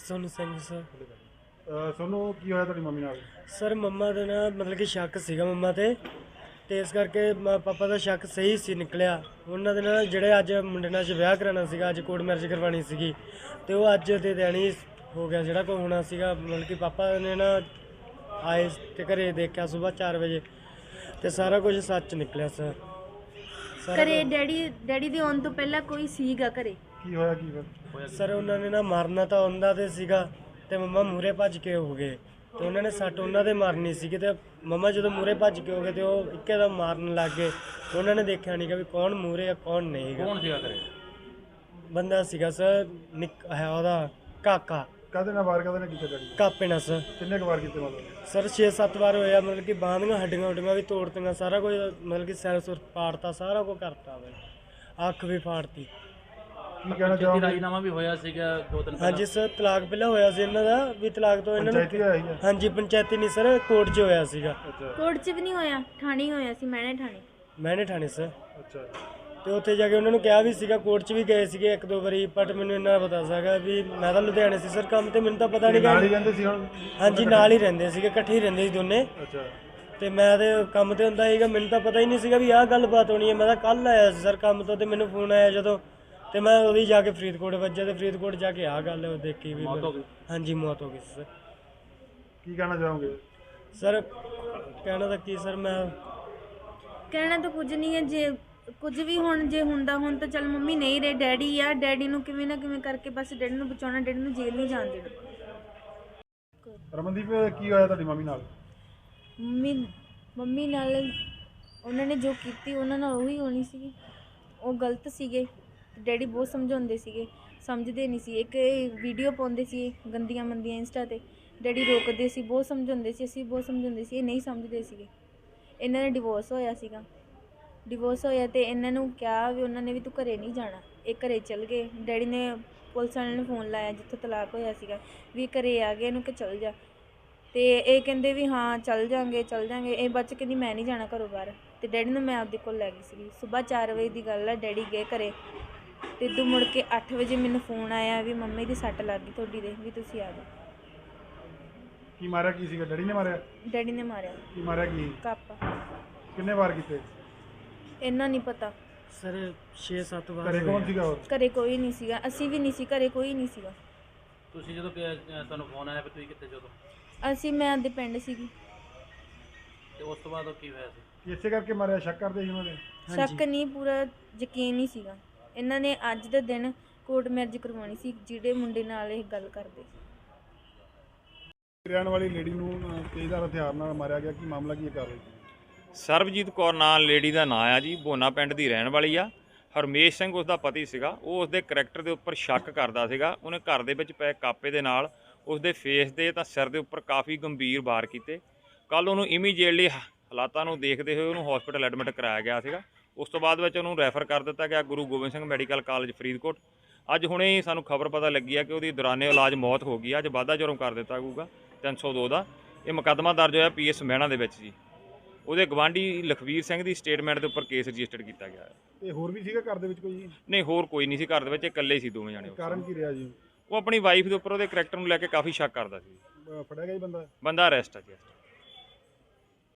Sonu Singh sir. Sonu की होया तेरी मम्मी नाल? सर मम्मा ਦੇ ਨਾ ਮਤਲਬ ਕਿ ਸ਼ੱਕ ਸੀਗਾ ਮੰਮਾ ਤੇ ਇਸ ਕਰਕੇ ਪਾਪਾ ਦਾ ਸ਼ੱਕ ਸਹੀ ਸੀ ਨਿਕਲਿਆ। ਉਹਨਾਂ ਦੇ ਨਾਲ ਜਿਹੜੇ ਅੱਜ ਮੁੰਡੇ ਨਾਲ ਵਿਆਹ ਕਰਾਉਣਾ ਸੀਗਾ, ਅੱਜ ਕੋਰਟ ਮੈਰਿਜ ਕਰਵਾਉਣੀ ਸੀਗੀ ਤੇ ਉਹ ਅੱਜ ਦੇ ਦਿਨ ਹੀ ਹੋ ਗਿਆ ਜਿਹੜਾ ਕੋ ਹੋਣਾ ਸੀਗਾ। ਮਤਲਬ ਕਿ ਪਾਪਾ ਨੇ ਨਾ ਆਏ ਤੇ ਘਰੇ ਦੇਖਿਆ ਸਵੇਰ 4 ਵਜੇ ਤੇ ਸਾਰਾ ਕੁਝ ਸੱਚ ਨਿਕਲਿਆ ਸਰ। ਘਰੇ ਡੈਡੀ ਦੇ ਆਉਣ ਤੋਂ ਪਹਿਲਾਂ ਕੋਈ ਸੀਗਾ ਘਰੇ? ਕੀ ਹੋਇਆ ਕੀ ਫਿਰ? ਸਰ ਉਹਨਾਂ ਨੇ ਨਾ ਮਾਰਨਾ ਤਾਂ ਉਹਨਾਂ ਤੇ ਸੀਗਾ ਤੇ ਮੰਮਾ ਮੂਰੇ ਭੱਜ ਕੇ ਹੋ ਗਏ ਤੇ ਉਹਨਾਂ ਨੇ ਸੱਟ ਉਹਨਾਂ ਦੇ ਮਾਰਨੀ ਸੀਗੀ ਤੇ ਮੰਮਾ ਜਦੋਂ ਮੂਰੇ ਭੱਜ ਕੇ ਹੋ ਗਏ ਤੇ ਉਹ ਇੱਕੇ ਦਾ ਮਾਰਨ ਲੱਗ ਗਏ। ਉਹਨਾਂ ਨੇ ਦੇਖਿਆ ਨਹੀਂ ਕਿ ਵੀ ਕੌਣ ਮੂਰੇ ਆ ਕੌਣ ਨਹੀਂ। ਕੌਣ ਸੀਗਾ ਘਰੇ? ਬੰਦਾ ਸੀਗਾ ਸਰ ਹੈ ਉਹਦਾ ਕਾਕਾ। ਕਾਹਦੇ ਨਾਲ ਵਾਰ ਕਾਹਦੇ ਨਾਲ ਕੀਤਾ ਡੈਡੀ? ਕਾਪੇ ਨਾਲ ਸਰ। ਕਿੰਨੇ ਕੁ ਵਾਰ ਕੀਤੇ ਮਤਲਬ? ਸਰ 6-7 ਵਾਰ ਹੋਇਆ। ਮਤਲਬ ਕਿ ਬਾਂਹ ਦੀਆਂ ਹੱਡੀਆਂ ਹੁੱਡੀਆਂ ਵੀ ਤੋੜਤੀਆਂ, ਸਾਰਾ ਕੁਝ ਮਤਲਬ ਕਿ ਸਿਰ ਸੁਰ ਪਾੜਤਾ, ਸਾਰਾ ਕੁਝ ਕਰਤਾ ਬਈ, ਅੱਖ ਵੀ ਫਾੜਤੀ। ਕੀ ਕਹਿਣਾ ਚਾਹੋਗੇ? ਰਾਜੀਨਾਮਾ ਵੀ ਹੋਇਆ ਸੀਗਾ 2 ਦਿਨ ਪਹਿਲਾਂ। ਹਾਂਜੀ ਸਰ, ਤਲਾਕ ਪਹਿਲਾਂ ਹੋਇਆ ਸੀ ਇਹਨਾਂ ਦਾ ਵੀ, ਤਲਾਕ ਤੋਂ ਇਹਨਾਂ ਪੰਚਾਇਤੀ ਨੂੰ ਹੋਇਆ ਸੀ? ਹਾਂਜੀ ਪੰਚਾਇਤੀ ਨਹੀਂ ਸਰ, ਕੋਰਟ 'ਚ ਹੋਇਆ ਸੀਗਾ। ਅੱਛਾ ਕੋਰਟ 'ਚ ਵੀ ਨਹੀਂ ਹੋਇਆ, ਥਾਣੇ ਹੋਇਆ ਸੀ, ਮੈਨੇ ਥਾਣੇ। ਮੈਨੇ ਠਾਣੇ ਸਰ। ਅੱਛਾ। ਤੇ ਉੱਥੇ ਜਾ ਕੇ ਉਹਨਾਂ ਨੂੰ ਕਿਹਾ ਵੀ ਸੀਗਾ, ਕੋਰਟ 'ਚ ਵੀ ਗਏ ਸੀਗੇ 1-2 ਵਾਰੀ, ਬਟ ਮੈਨੂੰ ਇੰਨਾ ਪਤਾ ਸੀਗਾ ਵੀ ਮੈਂ ਤਾਂ ਲੁਧਿਆਣੇ ਸੀ ਸਰ ਕੰਮ ਤੇ, ਮੈਨੂੰ ਤਾਂ ਪਤਾ ਨਹੀਂ ਨਾਲ ਹੀ ਗਾ। ਰਹਿੰਦੇ ਸੀ ਹੁਣ? ਹਾਂਜੀ ਨਾਲ ਹੀ ਰਹਿੰਦੇ ਸੀਗੇ, ਇਕੱਠੇ ਹੀ ਰਹਿੰਦੇ ਸੀ ਦੋਨੇ। ਅੱਛਾ। ਤੇ ਮੈਂ ਤੇ ਕੰਮ ਤੇ ਹੁੰਦਾ ਸੀਗਾ, ਮੈਨੂੰ ਤਾਂ ਪਤਾ ਹੀ ਨਹੀਂ ਸੀਗਾ ਵੀ ਆਹ ਗੱਲਬਾਤ ਹੋਣੀ ਹੈ। ਮੈਂ ਤਾਂ ਕੱਲ ਆਇਆ ਸੀ ਸਰ ਕੰਮ ਤੋਂ ਤੇ ਮੈਨੂੰ ਫੋਨ ਆਇਆ ਜਦੋਂ, ਤੇ ਮੈਂ ਉਹਦੀ ਜਾ ਕੇ ਫਰੀਦਕੋਟ ਵੱਜਿਆ ਤੇ ਫਰੀਦਕੋਟ ਜਾ ਕੇ ਆਹ ਗੱਲ ਦੇਖੀ ਵੀ ਮੌਤ ਹੋ ਗਈ। ਹਾਂਜੀ ਮੌਤ ਹੋ ਗਈ ਸਰ। ਕੀ ਕਹਿਣਾ ਚਾਹੋਗੇ? ਸਰ ਕਹਿਣਾ ਤਾਂ ਕੀ ਸਰ, ਮੈਂ ਕਹਿਣਾ ਤਾਂ ਕੁਝ ਨਹੀਂ ਹੈ। ਜੇ ਕੁਝ ਵੀ ਹੁਣ ਜੇ ਹੁੰਦਾ ਹੁਣ ਤਾਂ ਚੱਲ ਮੰਮੀ ਨਹੀਂ ਰਹੇ, ਡੈਡੀ ਆ, ਡੈਡੀ ਨੂੰ ਕਿਵੇਂ ਨਾ ਕਿਵੇਂ ਕਰਕੇ ਬਸ ਡੈਡੀ ਨੂੰ ਬਚਾਉਣਾ, ਡੈਡੀ ਨੂੰ ਜੇਲ੍ਹ ਨਹੀਂ ਜਾਣ ਦੇਣਾ। ਰਮਨਦੀਪ ਕੀ ਹੋਇਆ ਤੁਹਾਡੀ ਮੰਮੀ ਨਾਲ? ਮੰਮੀ ਨਾਲ ਉਹਨਾਂ ਨੇ ਜੋ ਕੀਤੀ ਉਹਨਾਂ ਨਾਲ ਉਹੀ ਹੋਣੀ ਸੀਗੀ। ਉਹ ਗਲਤ ਸੀਗੇ, ਡੈਡੀ ਬਹੁਤ ਸਮਝਾਉਂਦੇ ਸੀਗੇ, ਸਮਝਦੇ ਨਹੀਂ ਸੀ। ਇੱਕ ਵੀਡੀਓ ਪਾਉਂਦੇ ਸੀ ਗੰਦੀਆਂ ਮੰਦੀਆਂ ਇੰਸਟਾ ਤੇ, ਡੈਡੀ ਰੋਕਦੇ ਸੀ, ਬਹੁਤ ਸਮਝਾਉਂਦੇ ਸੀ, ਅਸੀਂ ਬਹੁਤ ਸਮਝਾਉਂਦੇ ਸੀ, ਇਹ ਨਹੀਂ ਸਮਝਦੇ ਸੀਗੇ। ਇਹਨਾਂ ਦਾ ਡਿਵੋਰਸ ਹੋਇਆ ਸੀਗਾ, ਡਿਵੋਰਸ ਹੋਇਆ ਤੇ ਇਹਨਾਂ ਨੂੰ ਕਿਹਾ ਵੀ ਉਹਨਾਂ ਨੇ ਵੀ ਤੂੰ ਘਰੇ ਨਹੀਂ ਜਾਣਾ, ਇਹ ਘਰੇ ਚਲ ਗਏ। ਡੈਡੀ ਨੇ ਪੁਲਿਸ ਵਾਲਿਆਂ ਨੂੰ ਫੋਨ ਲਾਇਆ ਜਿੱਥੋਂ ਤਲਾਕ ਹੋਇਆ ਸੀਗਾ ਵੀ ਘਰੇ ਆ ਗਏ, ਇਹਨੂੰ ਕਿ ਚਲ ਜਾ। ਤੇ ਇਹ ਕਹਿੰਦੇ ਵੀ ਹਾਂ ਚੱਲ ਜਾਂਗੇ ਚੱਲ ਜਾਂਗੇ। ਇਹ ਬੱਚ ਕਹਿੰਦੀ ਮੈਂ ਨਹੀਂ ਜਾਣਾ ਘਰੋਂ ਬਾਹਰ। ਤੇ ਡੈਡੀ ਨੂੰ ਮੈਂ ਆਪਦੇ ਕੋਲ ਲੈ ਗਈ ਸੀਗੀ। ਸਵੇਰ 4 ਵਜੇ ਦੀ ਗੱਲ ਹੈ, ਡੈਡੀ ਗਏ ਘਰੇ ਤੇ ਇੱਧਰ ਮੁੜ ਕੇ 8 ਵਜੇ ਮੈਨੂੰ ਫੋਨ ਆਇਆ ਵੀ ਮੰਮੀ ਦੀ ਸੱਟ ਲੱਗ ਗਈ ਤੁਹਾਡੀ ਦੇ, ਵੀ ਤੁਸੀਂ ਆ ਜਾਓ। ਕੀ ਮਾਰਿਆ ਕੀ ਸੀਗਾ? ਡੈਡੀ ਨੇ ਮਾਰਿਆ? ਡੈਡੀ ਨੇ ਮਾਰਿਆ। ਕੀ ਮਾਰਿਆ ਕੀ? ਕਾਪਾ। ਕਿੰਨੇ ਵਾਰ ਕੀਤੇ? ਇੰਨਾ ਨਹੀਂ ਪਤਾ। ਸਰ 6-7 ਵਾਰ ਘਰੇ ਕੌਣ ਹੋਇਆ। ਸੀਗਾ ਹੋਰ? ਘਰੇ ਕੋਈ ਨਹੀਂ ਸੀਗਾ, ਅਸੀਂ ਵੀ ਨਹੀਂ ਸੀ ਘਰੇ, ਕੋਈ ਨਹੀਂ ਸੀਗਾ। ਤੁਸੀਂ ਜਦੋਂ ਤੁਹਾਨੂੰ ਫੋਨ ਆਇਆ ਵੀ ਤੁਸੀਂ ਕਿੱਥੇ ਜਦੋਂ? ਮੈਂ ਆਪਦੇ ਪਿੰਡ ਸੀਗੀ। ਤੇ ਉਸ ਤੋਂ ਬਾਅਦ ਉਹ ਕੀ ਹੋਇਆ ਸੀ? ਕੀ ਇਸੇ ਕਰਕੇ ਮਾਰਿਆ? ਸ਼ੱਕ ਕਰਦੇ ਸੀ ਉਹਨਾਂ ਨੇ? ਸ਼ੱਕ ਨਹੀਂ, ਪੂਰਾ ਯਕੀਨ ਨਹੀਂ ਸੀਗਾ। ਇਹਨਾਂ ਨੇ ਅੱਜ ਦੇ ਦਿਨ ਕੋਰਟ ਮੈਰਿਜ ਕਰਵਾਉਣੀ ਸੀ ਜਿਹੜੇ ਮੁੰਡੇ ਨਾਲ ਇਹ ਗੱਲ ਕਰਦੇ ਸੀ। ਰਹਿਣ ਵਾਲੀ ਲੇਡੀ ਨੂੰ ਤੇਜ਼ਧਾਰ ਹਥਿਆਰ ਨਾਲ ਮਾਰਿਆ ਗਿਆ, ਕੀ ਮਾਮਲਾ ਕੀ ਕਰ ਰਹੀ? ਸਰਬਜੀਤ ਕੌਰ ਨਾਂ ਲੇਡੀ ਦਾ ਨਾਂ ਆ ਜੀ, ਬੋਨਾ ਪਿੰਡ ਦੀ ਰਹਿਣ ਵਾਲੀ ਆ। ਹਰਮੇਸ਼ ਸਿੰਘ ਉਸ ਦਾ ਪਤੀ ਸੀਗਾ। ਉਹ ਉਸ ਦੇ ਕਰੈਕਟਰ ਦੇ ਉੱਪਰ ਸ਼ੱਕ ਕਰਦਾ ਸੀਗਾ। ਉਹਨੇ ਘਰ ਦੇ ਵਿੱਚ ਪਏ ਕਾਪੇ ਦੇ ਨਾਲ ਉਸ ਦੇ ਫੇਸ ਦੇ ਤਾਂ ਸਿਰ ਦੇ ਉੱਪਰ ਕਾਫੀ ਗੰਭੀਰ ਵਾਰ ਕੀਤੇ। ਕੱਲ ਉਹਨੂੰ ਇਮੀਡੀਏਟਲੀ ਹਾਲਾਤਾਂ ਨੂੰ ਦੇਖਦੇ ਹੋਏ ਉਹਨੂੰ ਹਸਪੀਟਲ ਐਡਮਿਟ ਕਰਾਇਆ ਗਿਆ ਸੀਗਾ। ਉਸ ਤੋਂ ਬਾਅਦ ਵਿੱਚ ਉਹਨੂੰ ਰੈਫਰ ਕਰ ਦਿੱਤਾ ਗਿਆ ਗੁਰੂ ਗੋਬਿੰਦ ਸਿੰਘ ਮੈਡੀਕਲ ਕਾਲਜ ਫਰੀਦਕੋਟ। ਅੱਜ ਹੁਣੇ ਹੀ ਸਾਨੂੰ ਖਬਰ ਪਤਾ ਲੱਗੀ ਆ ਕਿ ਉਹਦੀ ਦੌਰਾਨੇ ਇਲਾਜ ਮੌਤ ਹੋ ਗਈ ਆ। ਅੱਜ ਵਾਧਾ ਜੁਰਮ ਕਰ ਦਿੱਤਾ ਜਾਊਗਾ 302 ਦਾ। ਇਹ ਮੁਕੱਦਮਾ ਦਰਜ ਹੋਇਆ PS ਮਹਿਣਾ ਦੇ ਵਿੱਚ ਜੀ। ਉਹਦੇ ਗਵਾਂਢੀ ਲਖਵੀਰ ਸਿੰਘ ਦੀ ਸਟੇਟਮੈਂਟ ਦੇ ਉੱਪਰ ਕੇਸ ਰਜਿਸਟਰ ਕੀਤਾ ਗਿਆ ਹੈ। ਤੇ ਹੋਰ ਵੀ ਸੀਗਾ ਘਰ ਦੇ ਵਿੱਚ ਕੋਈ? ਨਹੀਂ ਹੋਰ ਕੋਈ ਨਹੀਂ ਸੀ ਘਰ ਦੇ ਵਿੱਚ, ਇਕੱਲੇ ਸੀ ਦੋਵੇਂ ਜਾਣੇ। ਕਾਰਨ ਕੀ ਰਿਹਾ ਜੀ? ਉਹ ਆਪਣੀ ਵਾਈਫ ਦੇ ਉੱਪਰ ਉਹਦੇ ਕਰੈਕਟਰ ਨੂੰ ਲੈ ਕੇ ਕਾਫੀ ਸ਼ੱਕ ਕਰਦਾ ਸੀ। ਫੜਿਆ ਗਿਆ ਜੀ ਬੰਦਾ? ਬੰਦਾ ਅਰੈਸਟ ਆ ਜੀ।